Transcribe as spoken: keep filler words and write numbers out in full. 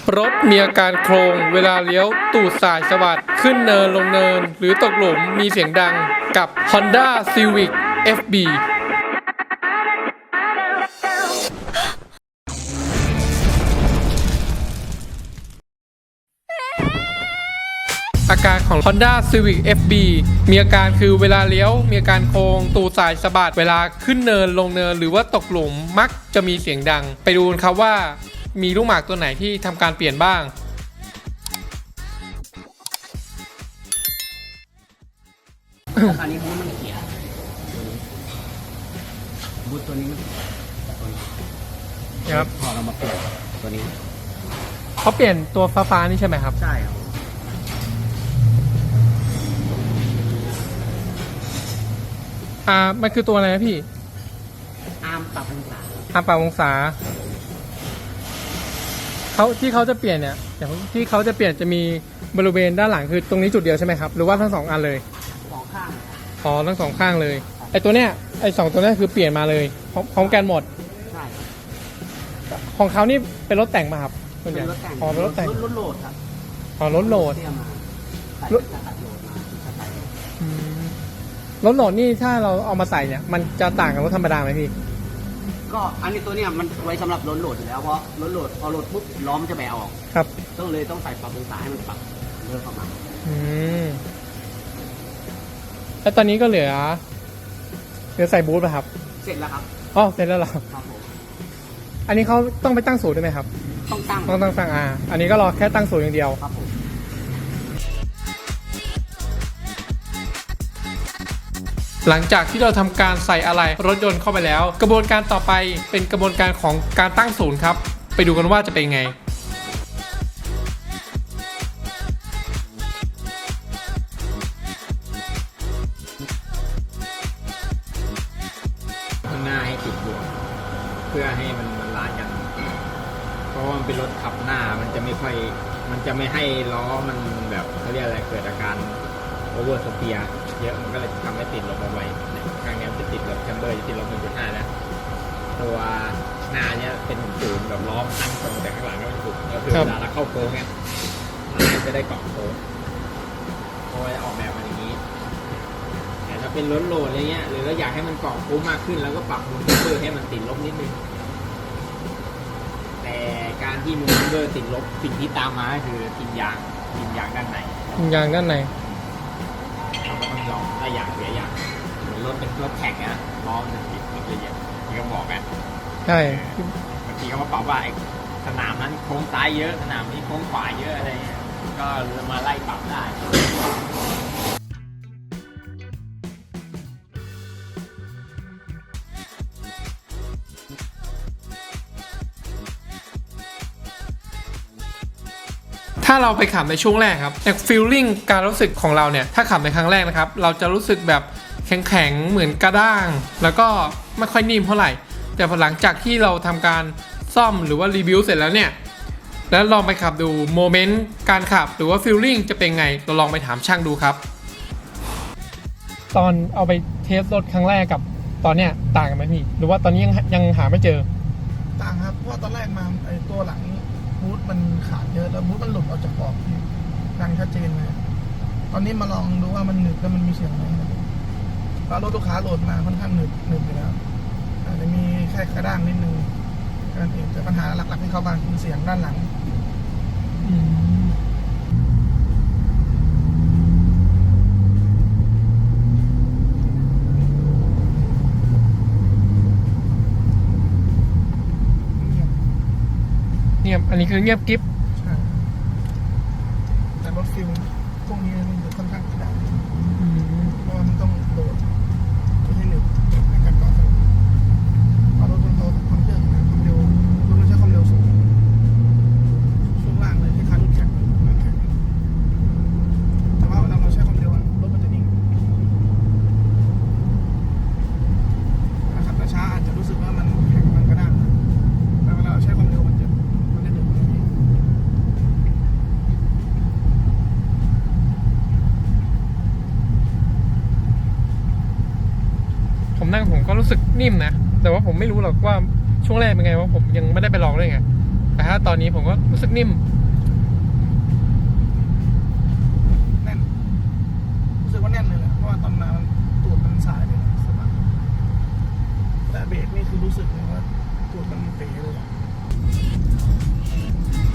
รถมีอาการโครงเวลาเลี้ยวตูดสายสะบัดขึ้นเนินลงเนินหรือตกหลุมมีเสียงดังกับ Honda Civic เอฟ บี อาการของ Honda Civic เอฟ บี มีอาการคือเวลาเลี้ยวมีอาการโค้งตูดสายสะบัดเวลาขึ้นเนินลงเนินหรือว่าตกหลุมมักจะมีเสียงดังไปดูกันครับว่ามีลูกหมากตัวไหนที่ทำการเปลี่ยนบ้างตอนนี้บูธมันเสียบูธตัวนี้ตัวนี้ครับพอเรามาเปลี่ยนตัวนี้เขาเปลี่ยนตัวฟ้าฟ้านี่ใช่ไหมครับใช่ครับอ่ามันคือตัวอะไรนะพี่อาร์มปรับองศาอาร์มปรับองศาเขาที่เขาจะเปลี่ยนเนี่ยอย่างที่เขาจะเปลี่ยนจะมีบริเวณด้านหลังคือตรงนี้จุดเดียวใช่ไหมครับหรือว่าทั้งสองอันเลยสองข้างอ๋อทั้งสองข้างเลยไอตัวเนี้ยไอสองตัวนี้คือเปลี่ยนมาเลยพร้อมพร้อมกันหมดใช่ของเขานี่เป็นรถแต่งมาครับส่วนใหญ่อ๋อเป็นรถแต่งรถโหลดครับอ๋อรถโหลดรถรถโหลดนี่ถ้าเราเอามาใส่เนี่ยมันจะต่างกับรถธรรมดาไหมพี่ก็อันนี้ตัวเนี้ยมันไว้สำหรับรถโหลดอยู่แล้วเพราะรถโหลดพอโหลดปุ๊บล้อมจะแบะออกครับต้องเลยต้องใส่ปรับองศาให้มันปรับเลื่อนเข้ามาอืมแล้วตอนนี้ก็เหลือเหลือใส่บูทป่ะครับเสร็จแล้วครับอ๋อเสร็จแล้วเหรอครับผมอันนี้เขาต้องไปตั้งศูนย์ด้วยไหมครับต้องตั้งต้องตั้งตั้งอ่าอันนี้ก็รอแค่ตั้งศูนย์อย่างเดียวครับผมหลังจากที่เราทำการใส่อะไหล่รถยนต์เข้าไปแล้วกระบวนการต่อไปเป็นกระบวนการของการตั้งศูนย์ครับไปดูกันว่าจะเป็นไงข้างหน้าให้ติดบวกเพื่อให้มันบาลานซ์กันเพราะว่ามันเป็นรถขับหน้ามันจะไม่ค่อยมันจะไม่ให้ล้อมันแบบเขาเรียกอะไรเกิดอาการโอเวอร์สเปียร์เยอะมันก็เลยทำให้ติดลมเอาไว้ข้างนี้มันจะติดแบบแคมเบอร์จะติดลม หนึ่งจุดห้า นะตัวหน้าเนี้ยเป็นศูนย์แบบล้อมตั้งตรงแต่ข้างหลังก็เป็นศูนย์ก็คือเวลาเราเข้าโค้งเนี่ยมันจะได้เกาะโค้งเพราะว่าออกแบบมาอย่างนี้แต่ถ้าเป็นรถโหลดอะไรเงี้ยหรือเราอยากให้มันเกาะโค้งมากขึ้นแล้วก็ปรับมูลแคมเบอร์ให้มันติดลบนิดนึงแต่การที่มูลแคมเบอร์ติดลบสิ่งที่ตามมาคือกินยางกินยางด้านในกินยางด้านในเราก็ต้องยอมได้อย่างเสียอย่างเหมือนรถเป็นรถแข่งนะล้อมันติดรถเยอะๆที่เขาบอกกันใช่บางทีเขามาปรับว่าสนามนั้นโค้งซ้ายเยอะสนามนี้โค้งขวาเยอะอะไรก็มาไล่ปรับได้ถ้าเราไปขับในช่วงแรกครับแต่ฟีลลิ่งการรู้สึกของเราเนี่ยถ้าขับในครั้งแรกนะครับเราจะรู้สึกแบบแข็งๆเหมือนกระด้างแล้วก็ไม่ค่อยนิ่มเท่าไหร่แต่พอหลังจากที่เราทำการซ่อมหรือว่ารีวิวเสร็จแล้วเนี่ยแล้วลองไปขับดูโมเมนต์การขับหรือว่าฟีลลิ่งจะเป็นไงเราลองไปถามช่างดูครับตอนเอาไปเทสรถครั้งแรกกับตอนเนี้ยต่างกันไหมพี่หรือว่าตอนนี้ยังยังหาไม่เจอต่างครับเพราะตอนแรกมาไอ้ตัวหลังบูทมันขาดเยอะแล้วบูทมันหลุดออกจากปอกดังชัดเจนเลยตอนนี้มาลองดูว่ามันหนึบแล้วมันมีเสียงไหมเพราะรถลูกค้าโหลดมาค่อนข้างหนึบหนึบอยู่แล้วอาจจะมีแค่กระด้างนิดนึงกันเองแต่ปัญหาหลักๆที่เขาบ้างคือเสียงด้านหลังเงียบอันนี้คือเงียบกิ๊บใช่แต่รถฟิลพวกนี้มันค่อนข้างกระด้างเพราะว่ามันต้องโหลดที่ให้หนึบในการก่อสร้างพอรถมันโตความเร็วความเร็วรถมันใช้ความเร็วสูงช่วงล่างเลยที่คันแข็งมันแข็งแต่ว่าเวลาเราใช้ความเร็วรถมันจะนิ่งขับช้าอาจจะรู้สึกว่ามันแข็งมันกระด้างแต่เวลาเราใช้ความเร็วมันจะผมนั่งผมก็รู้สึกนิ่มนะแต่ว่าผมไม่รู้หรอกว่าช่วงแรกเป็นไงว่าผมยังไม่ได้ไปลองเลยไงแต่ถ้าตอนนี้ผมก็รู้สึกนิ่มแน่นรู้สึกว่าแน่นเลยแหละเพราะว่าตอนมามันตูดมันสายเลยสบายแต่เบรกนี่คือรู้สึกเลยว่าตูดมันเป๋เลยอะ